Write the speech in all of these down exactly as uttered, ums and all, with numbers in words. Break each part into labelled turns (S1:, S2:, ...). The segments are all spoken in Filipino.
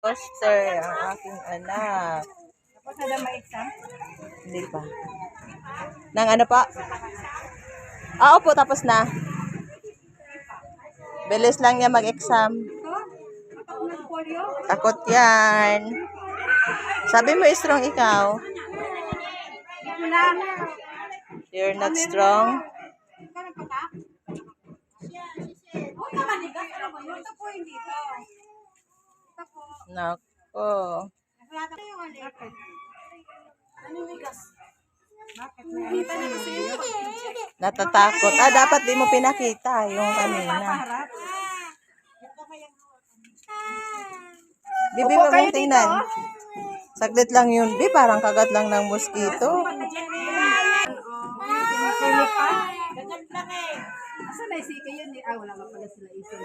S1: Foster, ang aking anak.
S2: Tapos na daw ma-exam?
S1: Hindi pa. Nang ano pa? Ah, opo, tapos na. Bilis lang niya mag-exam. Takot yan. Sabi mo, strong ikaw. You're not strong? Nako. Natatakot. Ah, dapat di mo pinakita yung kanina. Bibi, wag mong tingnan. Saglit lang yun. Bi, parang kagat lang ng mosquito.
S2: Asa na si kayo ni ah wala nga pala sila ito.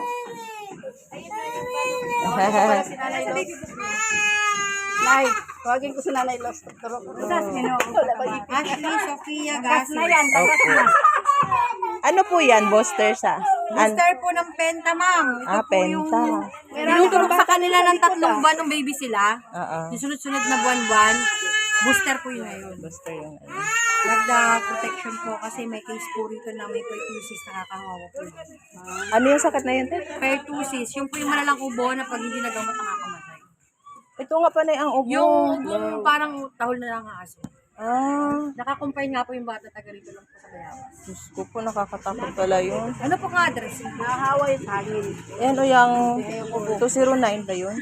S2: Nay, tawagin ko si Nanay Los. Turo ko. Ashley, Sofia, gas na yan.
S1: Ano po yan, Buster sa?
S3: Booster po ng Penta, ma'am. Ito
S1: Ah,
S3: po
S1: Penta.
S3: yung tinutulog sa kanila ng tatlong buwan ng baby sila.
S1: Oo.
S3: Yung sunod-sunod na buwan-buwan. Booster po yun ngayon.
S1: Buster yung ano.
S3: Magda protection po kasi may case po rito na may pertussis nakakahawa po.
S1: Ano yung sakit na yun, te?
S3: Pertussis, yung po yung malalang ubo na pag hindi nagamot nakakamatay.
S1: Ito nga pa na yung ubo.
S3: Yung ubong parang tahol na lang ang aso.
S1: Ah,
S3: Nakakumpay nga po yung bata taga rito lang po sa Bayawas.
S1: Diyos ko po, nakakatakot pala yun.
S3: Ano po nga address?
S2: Nahahawa yung hangin.
S1: Yan o yung two zero nine ba yun?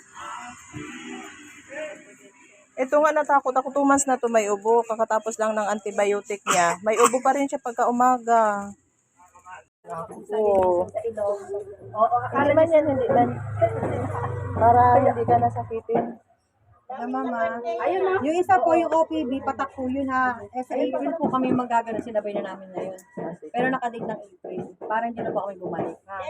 S1: Ito nga natakot ako, two months na to may ubo. Kakatapos lang ng antibiotic niya. May ubo pa rin siya pagka umaga. Oo.
S2: Oo,
S1: Hindi man yan, hindi man. Para hindi ka nasakitin.
S3: Na mama.
S2: ayun na.
S3: Yung isa po, yung O P B, patak po yun ha. Eh, sa April po kami magagano, sinabay na namin ngayon. Pero nakadate ng April. Para hindi na po kami bumalik. Ha?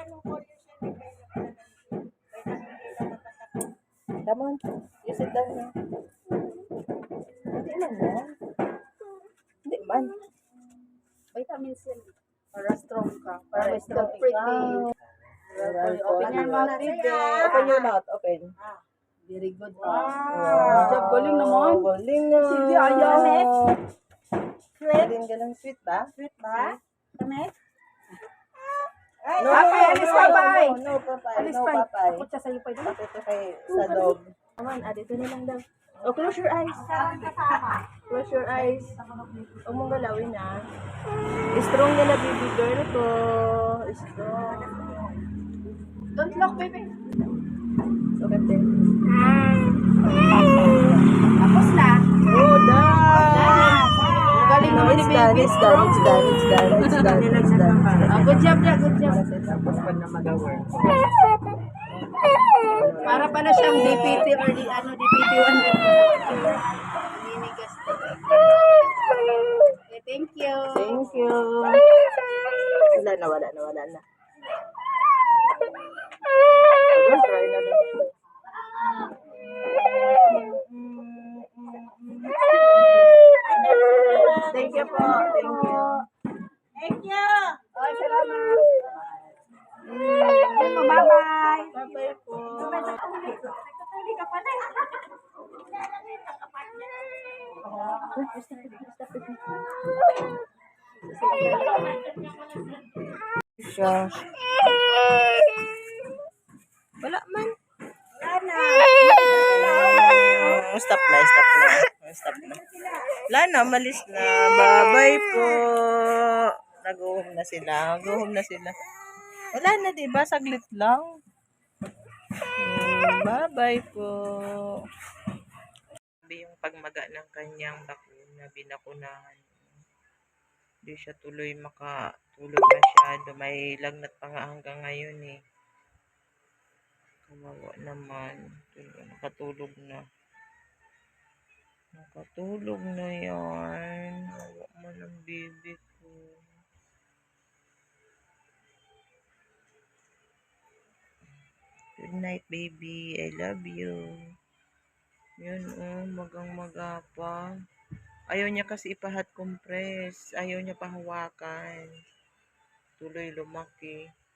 S1: Come on, you sit down na. Hindi man yan. Hindi man.
S2: Vitamins yan. Para strong ka. Para may strong
S1: Ikaw.
S2: pretty.
S1: Open your mouth. Open your mouth, open.
S2: Very good.
S1: Wow.
S2: Good job, galing naman.
S1: Galing nga.
S2: Sige, ayaw.
S1: Galing ka ng sweet ba?
S2: Sweet ba? Kami?
S1: No,
S2: Papay, alis papay.
S1: No, no, papay.
S2: Alis
S1: No,
S2: pa.
S1: papay.
S2: Takot siya sa'yo pa ito.
S1: Pati ito kay sa dog.
S2: Naman, ah, dito na lang daw.
S1: Oh, close your eyes. Close your eyes. Huwag mong galawin, ah. Strong na na, baby girl ko. Strong.
S2: Don't look, baby.
S1: Okay, din.
S2: Tapos na.
S1: Oh, done.
S2: Galing
S1: No,
S2: naman ni
S1: it's done,
S2: baby.
S1: it's done, it's done, it's done, it's done, it's done.
S2: Ah, good job na, good job.
S1: Tapos pa na mag-work.
S2: Para pala siyang D P T or di, ano, D P T one. Ninigas. Okay, thank you.
S1: Thank you. Wala na, wala na, wala na. Don't try na din. Thank you po. Thank you.
S2: Thank you. Ay, salamat. Bye-bye.
S1: Bye-bye po.
S2: Nagtutuli ka pala.
S1: Siya. Wala man.
S2: Wala na.
S1: Oh, stop na, stop na. Oh, stop na. Wala na, malis na. Bye-bye po. Nag-uhom na sila. Nag-uhom na sila. Wala na, diba? Saglit lang. Hmm, bye-bye po. Sabi yung pagmaga ng kanyang bakuna, binakunahan. Hindi siya tuloy makatulog masyado. May lagnat pa nga hanggang ngayon eh. Kawawa naman. Nakatulog na. Nakatulog na yan. Hawa mo ng baby ko. Good night, baby. I love you. Yun, oh. Magang-maga pa. Ayaw niya kasi ipa-hot compress. Ayaw niya pahawakan. Tuloy lumaki.